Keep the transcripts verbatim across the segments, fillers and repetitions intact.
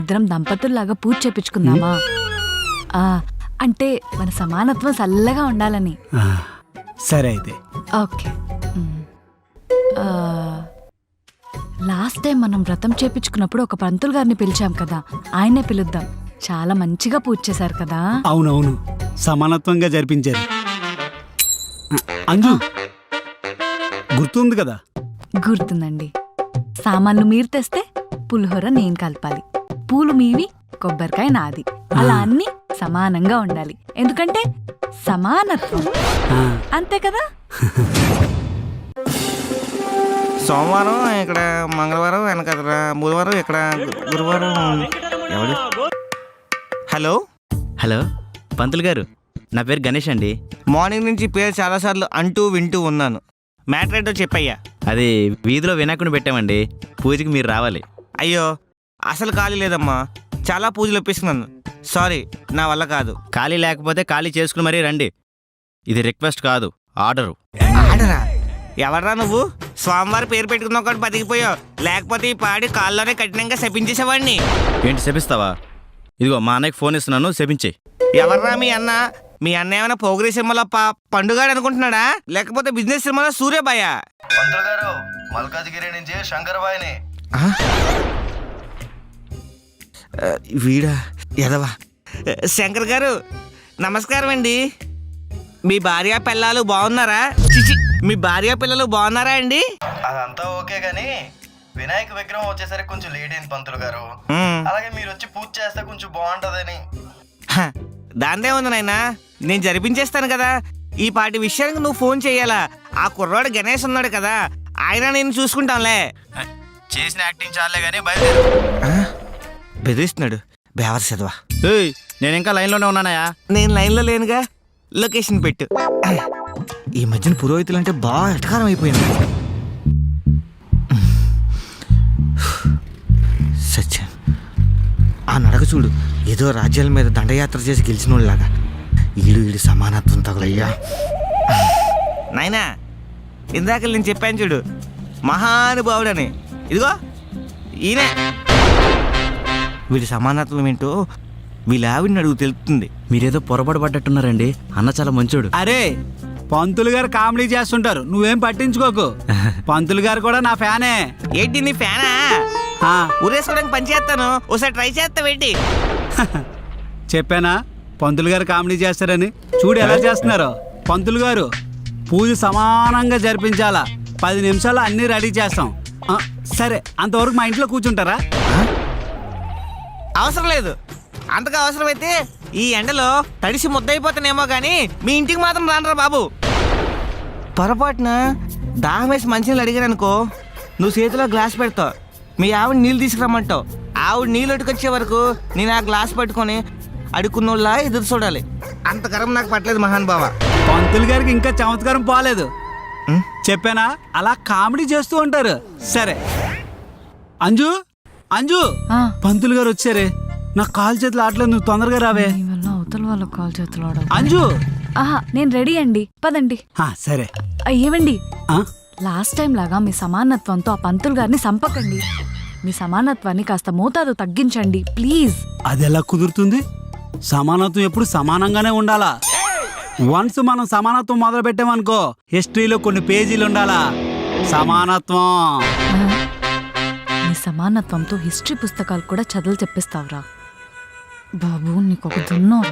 ఇద్దరం దంపతుల్లాగా పూజ చేపించుకుందామా? ఆ అంటే మన సమానత్వం చల్లగా ఉండాలని. సరే అయితే ఓకే. లాస్ట్ టైం మనం వ్రతం చేపించుకున్నప్పుడు ఒక పంతులు గారిని పిలిచాం కదా, ఆయనే పిలుద్దాం. చాలా మంచిగా పూజ చేశారు కదా. అవునవును, సమానత్వంగా జరిపించారు. అంజు గుర్తుంది కదా? గుర్తుందండి. సామాన్లు మీరు తెస్తే పులిహోర నేను కలపాలి, పూలు మీవి, కొబ్బరికాయ నాది, అలా అన్ని సమానంగా ఉండాలి. ఎందుకంటే సమానత్వం, అంతే కదా. సోమవారం ఇక్కడ, మంగళవారం వెనకదరా, బుధవారం ఇక్కడ, గురువారం ఎవడు? హలో హలో పంతులు గారు, నా పేరు గణేష్ అండి. మార్నింగ్ నుంచి పేరు చాలాసార్లు అంటూ వింటూ ఉన్నాను. మ్యాటర్ ఏంటో చెప్పయ్యా. అది వీధిలో వినాయకుడిని పెట్టామండి, పూజకి మీరు రావాలి. అయ్యో అసలు ఖాళీ లేదమ్మా, చాలా పూజలు ఒప్పిస్తున్నాను. సారీ, నా వల్ల కాదు. ఖాళీ లేకపోతే ఖాళీ చేసుకుని మరీ రండి. ఇది రిక్వెస్ట్ కాదు, ఆర్డరు. ఆడరా? ఎవర్రా నువ్వు? స్వామివారి పేరు పెట్టుకున్న ఒకటి బతికిపోయావు, లేకపోతే ఈ పాడి కాల్లోనే కఠినంగా శపించేసేవాడిని. ఏంటి శపిస్తావా? ఇదిగో మా అన్నయ్యకి ఫోన్ ఇస్తున్నాను, శపించే. ఎవర్రా మీ అన్న? మీ అన్న ఏమైనా పోగిరి సినిమాలో పండుగాడు అనుకుంటున్నాడా, లేకపోతే బిజినెస్ సినిమాలో సూర్యబాయ? పంతులు గారు, మల్కాజ్గిరి నుంచి శంకరబాయిని. వీడా ఎదవా? శంకర్ గారు నమస్కారం అండి. మీ భార్య పిల్లలు బాగున్నారా? చిచి, మీ భార్య పిల్లలు బాగున్నారా అండి? అదంతా ఓకే గాని వినాయక విగ్రహం వచ్చేసరికి కొంచెం లేట్ అయింది పంతులు గారు. అలాగే మీరు వచ్చి పూజ చేస్తే కొంచెం బాగుంటదని. దాందే ఉంది నాయనా, నేను జరిపించేస్తాను కదా. ఈ పాటి విషయానికి నువ్వు ఫోన్ చెయ్యాలా? ఆ కుర్రాడు గణేష్ ఉన్నాడు కదా, ఆయన నేను చూసుకుంటాంలే. చేసిన యాక్టింగ్ చాలే గానీ బయలుదేరు. బెదిరిస్తున్నాడు బేవర్ చదవా. నేను ఇంకా లైన్లోనే ఉన్నానయా. నేను లైన్లో లేనుగా, లొకేషన్ పెట్టు. ఈ మధ్యన పురోహితులు అంటే బాగా ఎటకారం అయిపోయింది. సత్యం, ఆ నడక చూడు, ఏదో రాజ్యాల మీద దండయాత్ర చేసి గెలిచిన వాళ్ళలాగా. ఈడు ఈడు సమానత్వం తగులయ్యా. నాయనా, ఇందాక నేను చెప్పాను చూడు, మహానుభావుడని. ఇదిగో ఈయనే. వీడి సమానత్వం ఏంటో వీళ్ళ ఆవిడని అడుగు తెలుస్తుంది. మీరేదో పొరపాటు పడ్డట్టున్నారండి, అన్న చాలా మంచోడు. అరే, పంతులు గారు కామెడీ చేస్తుంటారు, నువ్వేం పట్టించుకోకు. పంతులు గారు కూడా నా ఫ్యానే. ఏంటి నీ ఫ్యానా? ఊరేసుకోవడానికి పని చేస్తాను, ఒకసారి ట్రై చేస్తావేంటి? చెప్పానా పంతులు గారు కామెడీ చేస్తారని? చూడు ఎలా చేస్తున్నారో. పంతులు గారు, పూజ సమానంగా జరిపించాలా, పది నిమిషాలు అన్నీ రెడీ చేస్తాం. సరే, అంతవరకు మా ఇంట్లో కూర్చుంటారా? అవసరం లేదు. అంతగా అవసరమైతే ఈ ఎండలో తడిసి ముద్దయిపోతానేమో కానీ మీ ఇంటికి మాత్రం రానరా బాబు. పొరపాటున దాహం వేసి మంచినీళ్ళు అడిగారనుకో, నువ్వు చేతిలో గ్లాస్ పెడతావు, మీ ఆవిడ నీళ్ళు తీసుకురమ్మంటావు. ఆవిడ నీళ్ళు అటుకొచ్చే వరకు నేను ఆ గ్లాస్ పట్టుకొని అడుక్కున్నోళ్ళ ఎదురు చూడాలి. అంత గరం నాకు పట్టలేదు మహాన్ బావ. పంతులు గారికి ఇంకా చమత్కారం పోలేదు. చెప్పానా, అలా కామెడీ చేస్తూ ఉంటారు. సరే అంజు, అంజు, పంతులు గారు వచ్చారే, నాకు కాలు చేతులు ఆటలేదు, నువ్వు తొందరగా రావే. అవతల వాళ్ళ కాలు చేతులు ఆడ. అంజు, ఆహా, నేను రెడీ అండి, పదండి. సరే. ఏమండి, లాస్ట్ టైం లాగా మీ సమానత్వంతో ఆ పంతులు గారిని సంపకండి. మీ సమానత్వాన్ని కాస్త మోతాదు తగ్గించండి ప్లీజ్. అది ఎలా కుదురుతుంది? సమానత్వం ఎప్పుడు సమానంగానే ఉండాలా. వన్స్ మనం సమానత్వం మొదలు పెట్టామనుకో, హిస్టరీలో కొన్ని పేజీలు ఉండాలా. సమానత్వం. నీ సమానత్వంతో హిస్టరీ పుస్తకాలు కూడా చదువులు చెప్పిస్తావురా బాబు, నీకొక దున్నోరా.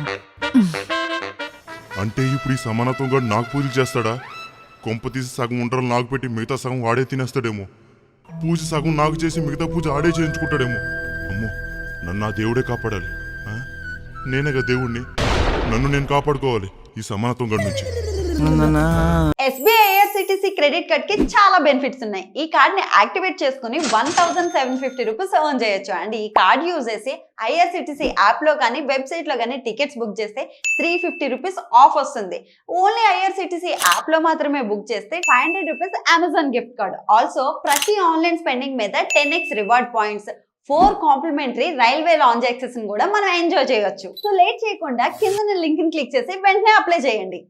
అంటే ఇప్పుడు ఈ సమానత్వం కూడా నాకు పూజలు చేస్తాడా? కొంప తీసి సగం ఉండరు నాకు పెట్టి మిగతా సగం వాడే తినేస్తాడేమో. పూజ సగం నాకు చేసి మిగతా పూజ ఆడే చేయించుకుంటాడేమో. అమ్మో, నన్ను ఆ దేవుడే కాపాడాలి. నేనేగా దేవుణ్ణి, నన్ను నేను కాపాడుకోవాలి ఈ సమానత్వం గడి నుంచి. ఎస్బీఐ ఐఆర్సిటిసి క్రెడిట్ కార్డ్ కి చాలా బెనిఫిట్స్ ఉన్నాయి. ఈ కార్డ్ ని యాక్టివేట్ చేసుకుని one thousand seven fifty rupees earn చేయొచ్చు. అండ్ ఈ కార్డ్ యూజ్ చేసి ఐఆర్సిటిసి యాప్ లో కానీ వెబ్సైట్ లో కానీ టికెట్స్ బుక్ చేస్తే త్రీ ఫిఫ్టీ రూపీస్ ఆఫ్ వస్తుంది. ఓన్లీ ఐఆర్సిటిసి యాప్ లో మాత్రమే బుక్ చేస్తే five hundred rupees Amazon gift card. Also ప్రతి ఆన్లైన్ స్పెండింగ్ మీద ten x reward points, four complimentary railway lounge access కూడా మనం ఎంజాయ్ చేయొచ్చు. సో లేట్ చేయకుండా కింద లింక్ ని క్లిక్ చేసి వెంటనే అప్లై చేయండి.